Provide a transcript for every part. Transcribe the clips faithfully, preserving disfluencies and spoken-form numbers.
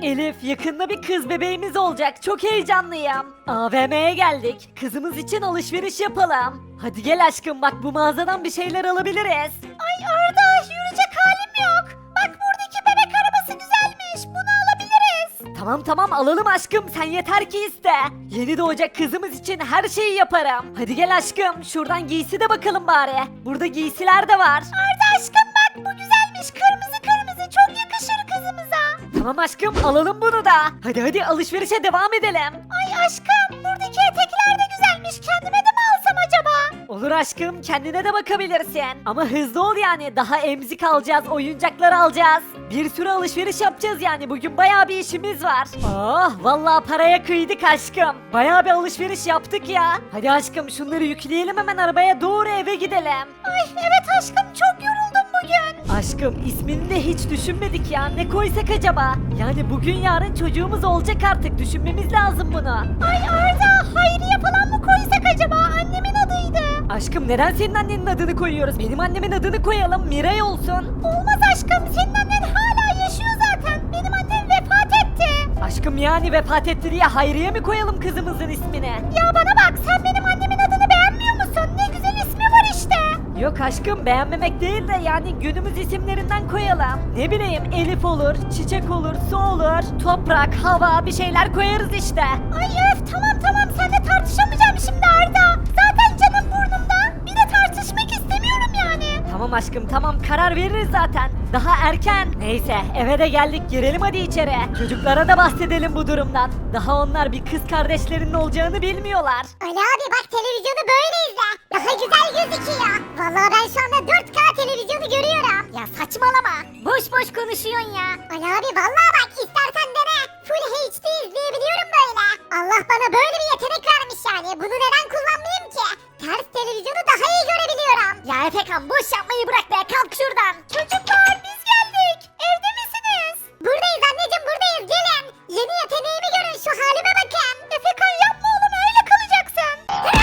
Elif, yakında bir kız bebeğimiz olacak. Çok heyecanlıyım. A V M'ye geldik. Kızımız için alışveriş yapalım. Hadi gel aşkım, bak bu mağazadan bir şeyler alabiliriz. Ay Arda, yürüyecek halim yok. Bak buradaki bebek arabası güzelmiş. Bunu alabiliriz. Tamam tamam alalım aşkım, sen yeter ki iste. Yeni doğacak kızımız için her şeyi yaparım. Hadi gel aşkım, şuradan giysi de bakalım bari. Burada giysiler de var. Arda aşkım bak, bu güzelmiş. Kırmızı kırmızı, çok yakışır kızımıza. Tamam aşkım, alalım bunu da. Hadi hadi alışverişe devam edelim. Ay aşkım, buradaki etekler de güzelmiş. Kendime de mi alsam acaba? Olur aşkım, kendine de bakabilirsin. Ama hızlı ol yani, daha emzik alacağız, oyuncaklar alacağız. Bir sürü alışveriş yapacağız yani, bugün bayağı bir işimiz var. Oh vallahi paraya kıydık aşkım. Bayağı bir alışveriş yaptık ya. Hadi aşkım, şunları yükleyelim hemen arabaya, doğru eve gidelim. Ay evet aşkım, çok yoruldum bugün. Aşkım, ismini de hiç düşünmedik ya, ne koysak acaba? Yani bugün yarın çocuğumuz olacak artık, düşünmemiz lazım bunu. Ay Arda, Hayriye falan mı koysak acaba? Annemin adıydı. Aşkım, neden senin annenin adını koyuyoruz? Benim annemin adını koyalım, Miray olsun. Olmaz aşkım, senin annen hala yaşıyor zaten. Benim annem vefat etti. Aşkım, yani vefat etti diye Hayriye mi koyalım kızımızın ismini? Ya bana bak, sen benim annemin adını beğenmiyor musun? Ne güzel ismi var işte. Yok aşkım, beğenmemek değil de yani günümüz isimlerinden koyalım. Ne bileyim, Elif olur, Çiçek olur, Su olur, Toprak, Hava, bir şeyler koyarız işte. Ay öf, tamam tamam, seninle tartışamayacağım şimdi Arda. Zaten canım burnumda. Bir de tartışmak istemiyorum yani. Tamam aşkım tamam, karar veririz zaten. Daha erken. Neyse, eve de geldik, girelim hadi içeri. Çocuklara da bahsedelim bu durumdan. Daha onlar bir kız kardeşlerinin olacağını bilmiyorlar. Ali abi bak, televizyonu böyle izle. Daha güzel gözüküyor. Vallahi ben şu anda dört K televizyonu görüyorum. Ya saçmalama. Boş boş konuşuyorsun ya. Ali abi vallahi bak, istersen dene. Full H D izleyebiliyorum böyle. Allah bana böyle bir yetenek vermiş yani. Bunu neden kullanmayayım ki? Ters televizyonu daha iyi görebiliyorum. Ya Efekan, boş yapmayı bırak be, kalk şuradan. Çocuklar biz geldik. Evde misiniz? Buradayız anneciğim, buradayız, gelin. Yeni yeteneğimi görün, şu halime bakın. Efekan yapma oğlum, öyle kalacaksın.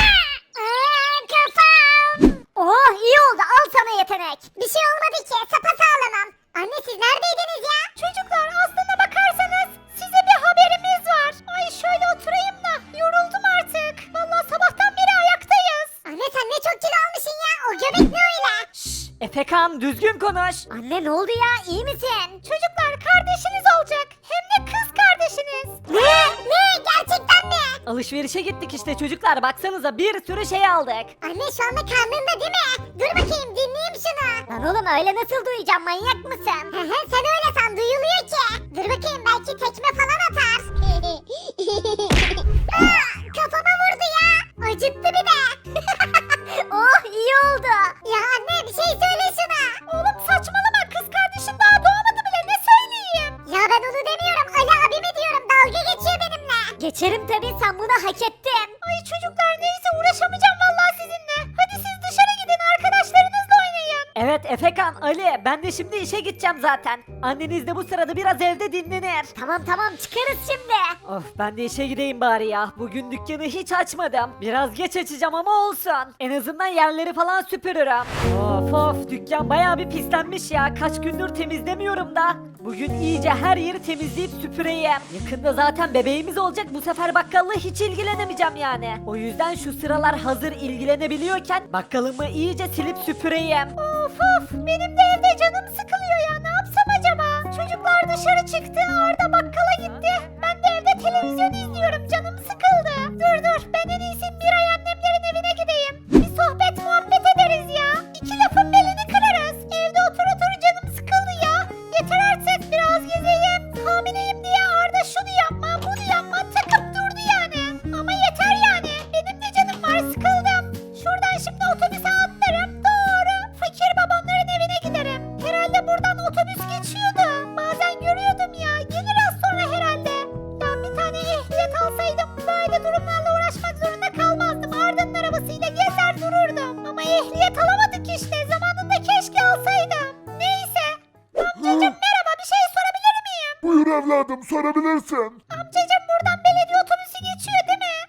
Aa, kafam. Oh iyi oldu, al sana yetenek. Bir şey olmadı ki, sapasağlamım. Anne siz neredeydiniz ya? Çocuklar aslına bakarsanız size bir haberimiz var. Ay şöyle oturayım da, yoruldum artık. Vallahi sabahtan beri ayaktayız. Anne sen ne çok kilo almışsın ya, o göbek ne öyle? Şşş, Efekan düzgün konuş. Anne ne oldu ya, iyi misin? Çocuklar kardeşiniz olacak, hem de kız kardeşiniz. Ne? Ne? Gerçekten mi? Alışverişe gittik işte çocuklar, baksanıza bir sürü şey aldık. Anne şu anda karnında değil mi? Dur bakayım, dinleyeyim şunu. Lan oğlum öyle nasıl duyacağım, manyak mısın? Hı hı, sen öyle san, duyuluyor ki. Dur bakayım, belki tekme falan atar. Aa, kafama vurdu ya. Acıttı bir de. Oh iyi oldu. Ya anne bir şey söyle şuna. Oğlum saçmalama, kız kardeşin daha doğmadı bile, ne söyleyeyim? Ya ben onu demiyorum, Ali abimi diyorum, dalga geçiyor benimle. Geçerim tabii, sen bunu hak ettin. Ay çocuklar neyse, uğraşamayacağım vallahi sizinle. Hadi siz dışarı gidin, arkadaşlarınızla oynayın. Evet Efekan, Ali, ben de şimdi işe gideceğim zaten. Anneniz de bu sırada biraz evde dinlenir. Tamam tamam, çıkarız şimdi. Of, ben de işe gideyim bari ya. Bugün dükkanı hiç açmadım. Biraz geç açacağım ama olsun. En azından yerleri falan süpürürüm. Of of, dükkan bayağı bir pislenmiş ya. Kaç gündür temizlemiyorum da. Bugün iyice her yeri temizleyip süpüreyim. Yakında zaten bebeğimiz olacak. Bu sefer bakkalla hiç ilgilenemeyeceğim yani. O yüzden şu sıralar hazır ilgilenebiliyorken bakkalımı iyice silip süpüreyim. Of of, benim de evde canım sıkılıyor ya, ne yapsam acaba? Çocuklar dışarı çıktı, Arda bakkala gitti. Ben de evde televizyon izliyorum, canım sıkıldı. Dur dur, ben en iyisi Miray annemlerin evine gideyim. Bir sohbet muhabbet ederiz ya. İki lafın belini kırarız. Evde otur otur canım sıkıldı ya. Yeter artık, biraz gezeyim. Hamileyim diye Arda şunu yapma bunu yapma takıp durdu yani. Ama yeter yani, benim de canım var, sıkıldım. Şuradan şimdi otobüse atlarım, doğru fakir babamların evine giderim. Herhalde buradan otobüs geçiyordu. Bazen görüyordum ya, gelir az sonra herhalde. Ya bir tane ehliyet alsaydım böyle durumlarla uğraşmak zorunda kalmazdım. Arda'nın arabasıyla gezer dururdum. Ama ehliyet alamadık işte, zamanında keşke alsaydım. Neyse. Amcacım merhaba, bir şey sorabilir miyim? Buyur evladım, sorabilirsin. Amcacım buradan belediye otobüsü geçiyor değil mi?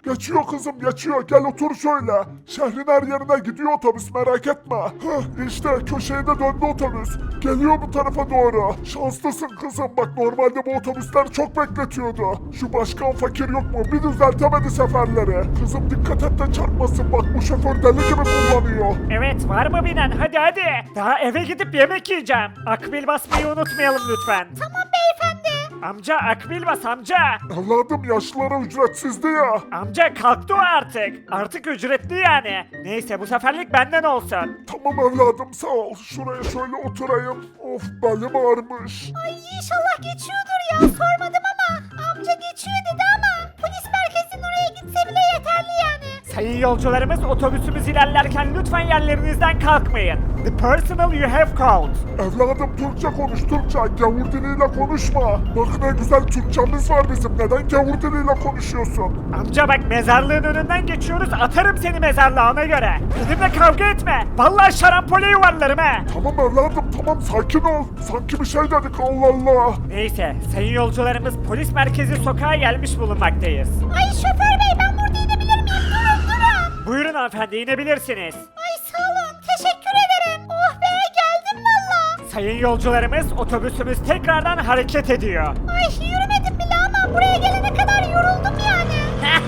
Geçiyor kızım geçiyor. Gel otur şöyle. Şehrin her yerine gidiyor otobüs merak etme. Heh, işte köşeye de döndü otobüs. Geliyor bu tarafa doğru. Şanslısın kızım. Bak normalde bu otobüsler çok bekletiyordu. Şu başkan fakir yok mu? Bir düzeltemedi seferleri. Kızım dikkat et de çarpmasın. Bak bu şoför deli gibi kullanıyor. Evet var mı binen hadi hadi. Daha eve gidip yemek yiyeceğim. Akbil basmayı unutmayalım lütfen. Tamam beyefendi. Amca akbil bas amca. Evladım yaşlılara ücretsizdi ya. Amca kalktı o artık. Artık ücretli yani. Neyse bu seferlik benden olsun. Tamam evladım sağ ol. Şuraya şöyle oturayım. Of belim ağrımış. Ay inşallah geçiyordur ya. Sormadım ama amca geçiyor dedi ama polis merkezinin oraya gitse bile yeterli yani. Sayın yolcularımız otobüsümüz ilerlerken lütfen yerlerinizden kalkmayın. The personal you have called. Evladım Türkçe konuş Türkçe. Gavur diliyle konuşma. Bak ne güzel Türkçemiz var bizim. Neden gavur diliyle konuşuyorsun? Amca bak mezarlığın önünden geçiyoruz atarım seni mezarlığa ona göre. Benimle kavga etme. Vallahi şarampole yuvarlarım he. Tamam evladım tamam sakin ol. Sanki bir şey dedik Allah Allah. Neyse sayın yolcularımız polis merkezi sokağa gelmiş bulunmaktayız. Ay şoför bey ben burada inebilir miyim? Durun durun. Buyurun hanımefendi inebilirsiniz. Ay sağ olun teşekkür ederim. Oh be geldim valla. Sayın yolcularımız otobüsümüz tekrardan hareket ediyor. Ay yürümedim bile ama buraya gelene kadar yoruldum yani.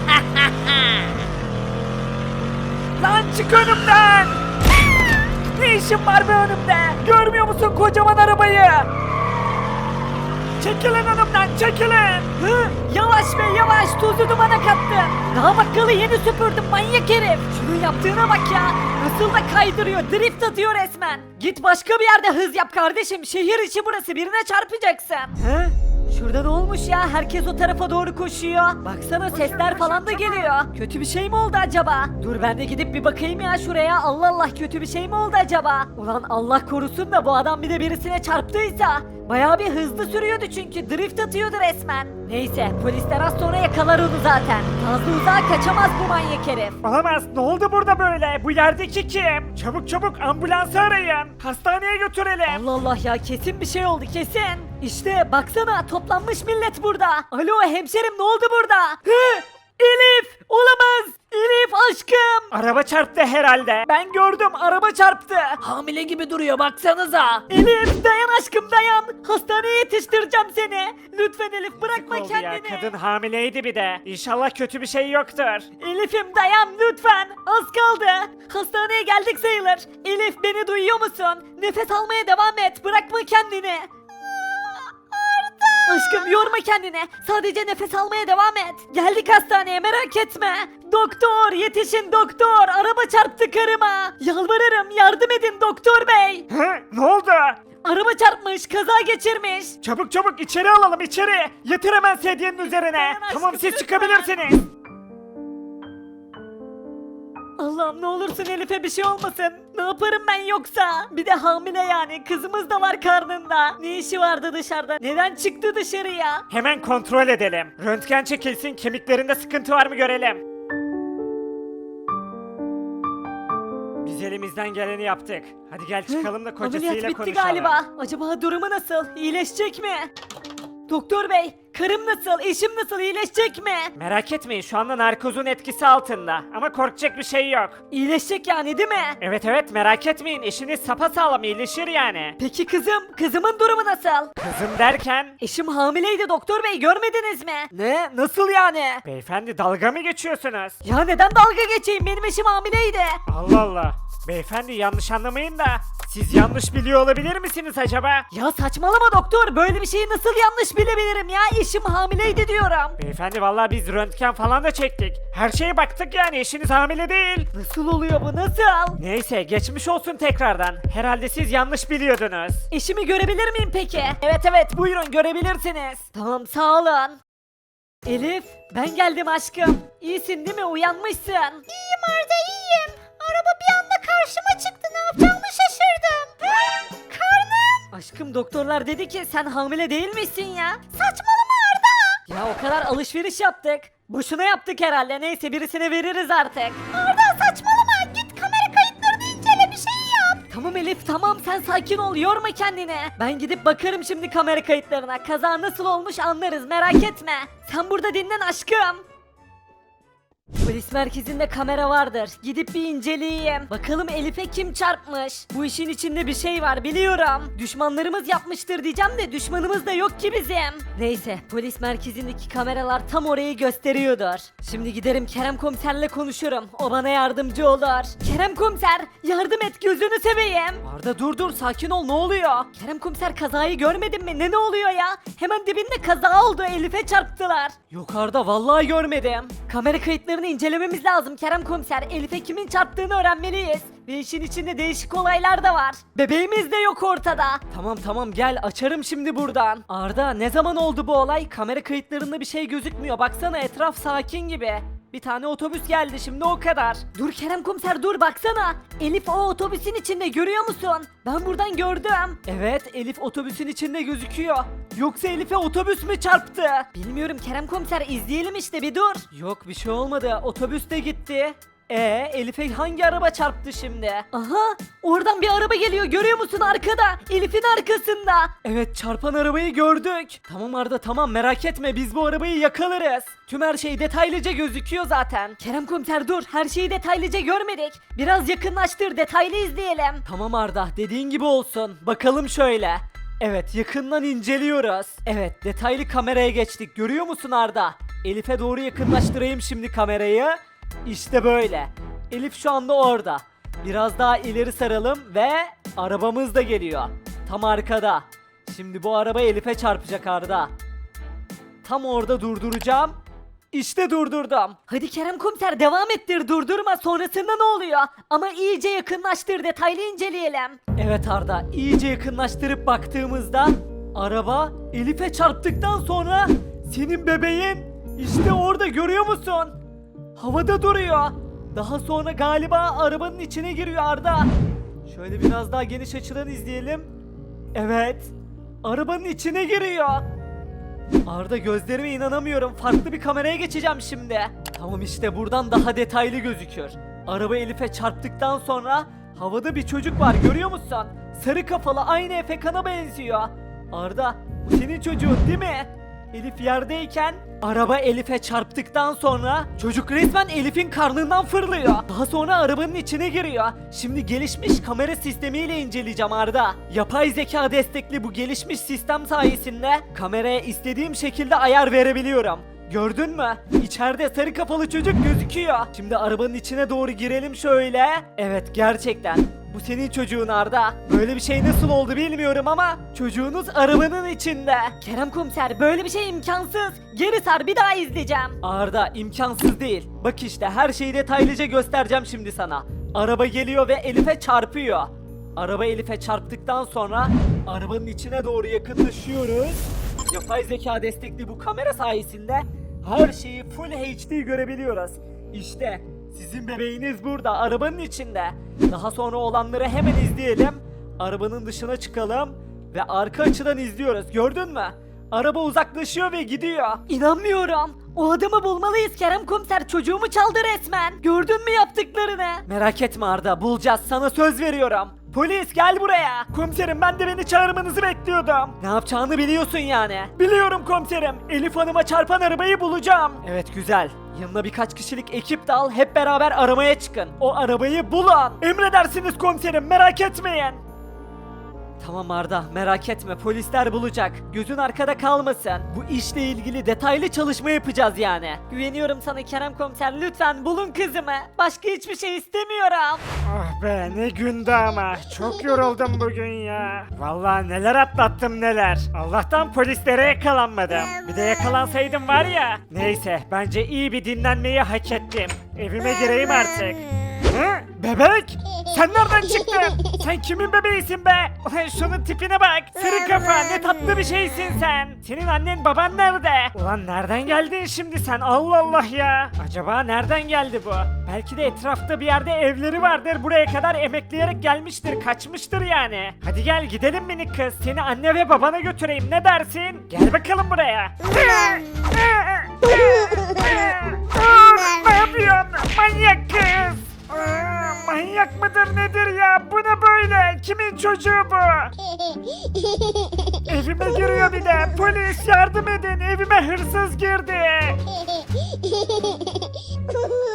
Lan çık önümden! Ne işin var be önümde? Görmüyor musun kocaman arabayı? Çekilin önümden çekilin! Hı, yavaş be yavaş tozu dumana kattın. Daha bakkalı yeni süpürdüm manyak herif. Şunun yaptığına bak ya. Nasıl da kaydırıyor drift atıyor resmen. Git başka bir yerde hız yap kardeşim. Şehir içi burası birine çarpacaksın. Hı? Şurada ne olmuş ya? Herkes o tarafa doğru koşuyor. Baksana sesler falan da geliyor. Kötü bir şey mi oldu acaba? Dur ben de gidip bir bakayım ya şuraya. Allah Allah kötü bir şey mi oldu acaba? Ulan Allah korusun da bu adam bir de birisine çarptıysa. Bayağı bir hızlı sürüyordu çünkü drift atıyordu resmen. Neyse polisler az sonra yakalar onu zaten. Fazla uzağa kaçamaz bu manyak herif. Olamaz ne oldu burada böyle? Bu yerdeki kim? Çabuk çabuk ambulansı arayın. Hastaneye götürelim. Allah Allah ya kesin bir şey oldu kesin. İşte baksana toplanmış millet burada. Alo hemşerim ne oldu burada? Hı? Elif olamaz. Elif aşkım. Araba çarptı herhalde. Ben gördüm araba çarptı. Hamile gibi duruyor baksanıza. Elif dayan aşkım dayan. Hastaneye yetiştireceğim seni. Lütfen Elif bırakma Oldu ya, kendini. kadın hamileydi bir de. İnşallah kötü bir şey yoktur. Elif'im dayan lütfen. Az kaldı. Hastaneye geldik sayılır. Elif beni duyuyor musun? Nefes almaya devam et. Bırakma kendini. Aşkım yorma kendini. Sadece nefes almaya devam et. Geldik hastaneye merak etme. Doktor yetişin doktor. Araba çarptı karıma. Yalvarırım yardım edin doktor bey. Hı? Ne oldu? Araba çarpmış kaza geçirmiş. Çabuk çabuk içeri alalım içeri. Yatır hemen sedyenin üzerine. Dayan aşkım, Tamam siz lütfen. çıkabilirsiniz. Allah'ım ne olursun Elif'e bir şey olmasın. Ne yaparım ben yoksa? Bir de hamile yani. Kızımız da var karnında. Ne işi vardı dışarıda? Neden çıktı dışarıya? Hemen kontrol edelim. Röntgen çekilsin kemiklerinde sıkıntı var mı görelim. Biz elimizden geleni yaptık. Hadi gel çıkalım da Ameliyat kocasıyla bitti konuşalım. galiba. Acaba durumu nasıl? İyileşecek mi? Doktor bey, karım nasıl? Eşim nasıl? İyileşecek mi? Merak etmeyin şu anda narkozun etkisi altında. Ama korkacak bir şey yok. İyileşecek yani değil mi? Evet evet merak etmeyin eşiniz sapasağlam iyileşir yani. Peki kızım? Kızımın durumu nasıl? Kızım derken... Eşim hamileydi doktor bey görmediniz mi? Ne? Nasıl yani? Beyefendi dalga mı geçiyorsunuz? Ya neden dalga geçeyim? Benim eşim hamileydi. Allah Allah. Beyefendi yanlış anlamayın da siz yanlış biliyor olabilir misiniz acaba? Ya saçmalama doktor. Böyle bir şeyi nasıl yanlış bilebilirim ya? Eşim hamileydi diyorum. Beyefendi vallahi biz röntgen falan da çektik. Her şeye baktık yani eşiniz hamile değil. Nasıl oluyor bu? Nasıl? Neyse geçmiş olsun tekrardan. Herhalde siz yanlış biliyordunuz. Eşimi görebilir miyim peki? Evet evet buyurun görebilirsiniz. Tamam sağ olun. Elif ben geldim aşkım. İyisin değil mi? Uyanmışsın. İyiyim Arda iyiyim. Araba bir anda karşıma çıktı ne yapacağımı şaşırdım. Hı? Karnım. Aşkım doktorlar dedi ki sen hamile değil misin ya? Saçmalama Arda. Ya o kadar alışveriş yaptık. Boşuna yaptık herhalde. Neyse birisine veririz artık. Arda saçmalama git kamera kayıtlarını incele bir şey yap. Tamam Elif tamam sen sakin ol yorma kendini. Ben gidip bakarım şimdi kamera kayıtlarına. Kaza nasıl olmuş anlarız merak etme. Sen burada dinlen aşkım. Polis merkezinde kamera vardır. Gidip bir inceleyeyim. Bakalım Elif'e kim çarpmış? Bu işin içinde bir şey var biliyorum. Düşmanlarımız yapmıştır diyeceğim de düşmanımız da yok ki bizim. Neyse polis merkezindeki kameralar tam orayı gösteriyordur. Şimdi giderim Kerem komiserle konuşurum. O bana yardımcı olur. Kerem komiser yardım et gözünü seveyim. Arda dur dur sakin ol ne oluyor? Kerem komiser kazayı görmedin mi? Ne ne oluyor ya? Hemen dibinde kaza oldu Elif'e çarptılar. Yok Arda vallahi görmedim. Kamera kayıtlarını incelememiz lazım Kerem komiser. Elif'e kimin çarptığını öğrenmeliyiz. Ve işin içinde değişik olaylar da var. Bebeğimiz de yok ortada. Tamam tamam gel açarım şimdi buradan. Arda ne zaman oldu bu olay? Kamera kayıtlarında bir şey gözükmüyor. Baksana etraf sakin gibi. Bir tane otobüs geldi şimdi o kadar. Dur Kerem komiser dur baksana. Elif o otobüsün içinde görüyor musun? Ben buradan gördüm. Evet Elif otobüsün içinde gözüküyor. Yoksa Elif'e otobüs mü çarptı? Bilmiyorum Kerem komiser izleyelim işte bir dur. Yok bir şey olmadı otobüs de gitti. Ee, Elif'e hangi araba çarptı şimdi? Aha, oradan bir araba geliyor görüyor musun arkada? Elif'in arkasında. Evet, çarpan arabayı gördük. Tamam Arda tamam merak etme biz bu arabayı yakalarız. Tüm her şey detaylıca gözüküyor zaten. Kerem komiser dur her şeyi detaylıca görmedik. Biraz yakınlaştır detaylı izleyelim. Tamam Arda dediğin gibi olsun. Bakalım şöyle. Evet yakından inceliyoruz. Evet detaylı kameraya geçtik görüyor musun Arda? Elif'e doğru yakınlaştırayım şimdi kamerayı. İşte böyle. Elif şu anda orada. Biraz daha ileri saralım ve arabamız da geliyor. Tam arkada. Şimdi bu araba Elif'e çarpacak Arda. Tam orada durduracağım. İşte durdurdum. Hadi Kerem komiser devam ettir durdurma sonrasında ne oluyor? Ama iyice yakınlaştır detaylı inceleyelim. Evet Arda iyice yakınlaştırıp baktığımızda araba Elif'e çarptıktan sonra senin bebeğin işte orada görüyor musun? Havada duruyor. Daha sonra galiba arabanın içine giriyor Arda. Şöyle biraz daha geniş açıdan izleyelim. Evet. Arabanın içine giriyor. Arda gözlerime inanamıyorum. Farklı bir kameraya geçeceğim şimdi. Tamam işte buradan daha detaylı gözüküyor. Araba Elif'e çarptıktan sonra havada bir çocuk var görüyor musun? Sarı kafalı aynı Efekan'a benziyor. Arda bu senin çocuğun değil mi? Elif yerdeyken araba Elif'e çarptıktan sonra çocuk resmen Elif'in karnından fırlıyor. Daha sonra arabanın içine giriyor. Şimdi gelişmiş kamera sistemiyle inceleyeceğim Arda. Yapay zeka destekli bu gelişmiş sistem sayesinde kameraya istediğim şekilde ayar verebiliyorum. Gördün mü? İçeride sarı kafalı çocuk gözüküyor. Şimdi arabanın içine doğru girelim şöyle. Evet gerçekten. Bu senin çocuğun Arda. Böyle bir şey nasıl oldu bilmiyorum ama çocuğunuz arabanın içinde. Kerem komiser böyle bir şey imkansız. Geri sar bir daha izleyeceğim. Arda imkansız değil. Bak işte her şeyi detaylıca göstereceğim şimdi sana. Araba geliyor ve Elif'e çarpıyor. Araba Elif'e çarptıktan sonra arabanın içine doğru yakınlaşıyoruz. Yapay zeka destekli bu kamera sayesinde her şeyi Full H D görebiliyoruz. İşte sizin bebeğiniz burada arabanın içinde. Daha sonra olanları hemen izleyelim. Arabanın dışına çıkalım ve arka açıdan izliyoruz. Gördün mü? Araba uzaklaşıyor ve gidiyor. İnanmıyorum. O adamı bulmalıyız Kerem komiser. Çocuğumu çaldı resmen. Gördün mü yaptıklarını? Merak etme Arda bulacağız sana söz veriyorum. Polis gel buraya. Komiserim ben de beni çağırmanızı bekliyordum. Ne yapacağını biliyorsun yani. Biliyorum komiserim. Elif Hanım'a çarpan arabayı bulacağım. Evet güzel. Yanına birkaç kişilik ekip de al hep beraber aramaya çıkın. O arabayı bulun. Emredersiniz komiserim merak etmeyin. Tamam Arda merak etme polisler bulacak. Gözün arkada kalmasın. Bu işle ilgili detaylı çalışma yapacağız yani. Güveniyorum sana Kerem komiser lütfen bulun kızımı. Başka hiçbir şey istemiyorum. Ah be ne gündü ama. Çok yoruldum bugün ya. Vallahi neler atlattım neler. Allah'tan polislere yakalanmadım. Bir de yakalansaydım var ya. Neyse bence iyi bir dinlenmeyi hak ettim. Evime gireyim artık. Hı? Bebek? Sen nereden çıktın? Sen kimin bebeğisin be? Ulan şunun tipine bak. Sarı kafa ne tatlı bir şeysin sen. Senin annen baban nerede? Ulan nereden geldin şimdi sen? Allah Allah ya. Acaba nereden geldi bu? Belki de etrafta bir yerde evleri vardır. Buraya kadar emekleyerek gelmiştir. Kaçmıştır yani. Hadi gel gidelim minik kız. Seni anne ve babana götüreyim. Ne dersin? Gel bakalım buraya. Ne yapıyorsun? Manyak kız. Aa, manyak mıdır nedir ya? Bu ne böyle? Kimin çocuğu bu? Evime giriyor bir de. Polis yardım edin. Evime hırsız girdi.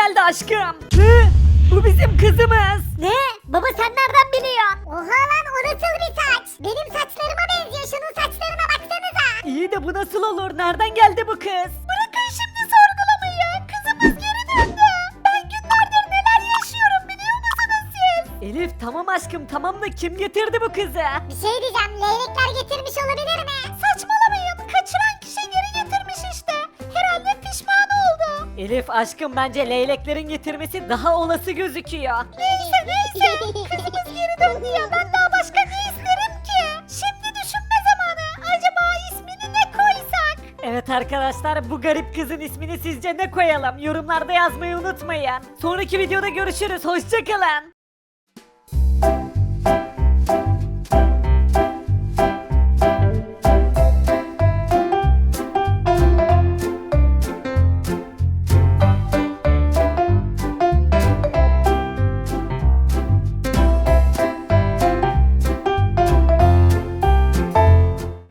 geldi aşkım. Hı? Bu bizim kızımız. Ne? Baba sen nereden biliyorsun? Oha lan o nasıl bir saç? Benim saçlarıma benziyor. Şunun saçlarına baksanıza. İyi de bu nasıl olur? Nereden geldi bu kız? Bırakın şimdi sorgulamayı. Kızımız geri döndü. Ben günlerdir neler yaşıyorum biliyor musunuz siz? Elif tamam aşkım tamam da kim getirdi bu kızı? Bir şey diyeceğim. Leylekler getirmiş olabilir mi? Saçmalamayın. Kaçıran kişi geri getirmiş işte. Herhalde pişman oldu. Elif aşkım bence leyleklerin getirmesi daha olası gözüküyor. Neyse neyse. Kızımız geri döndü ya. Ben daha başka ne isterim ki? Şimdi düşünme zamanı. Acaba ismini ne koysak? Evet arkadaşlar bu garip kızın ismini sizce ne koyalım? Yorumlarda yazmayı unutmayın. Sonraki videoda görüşürüz. Hoşçakalın.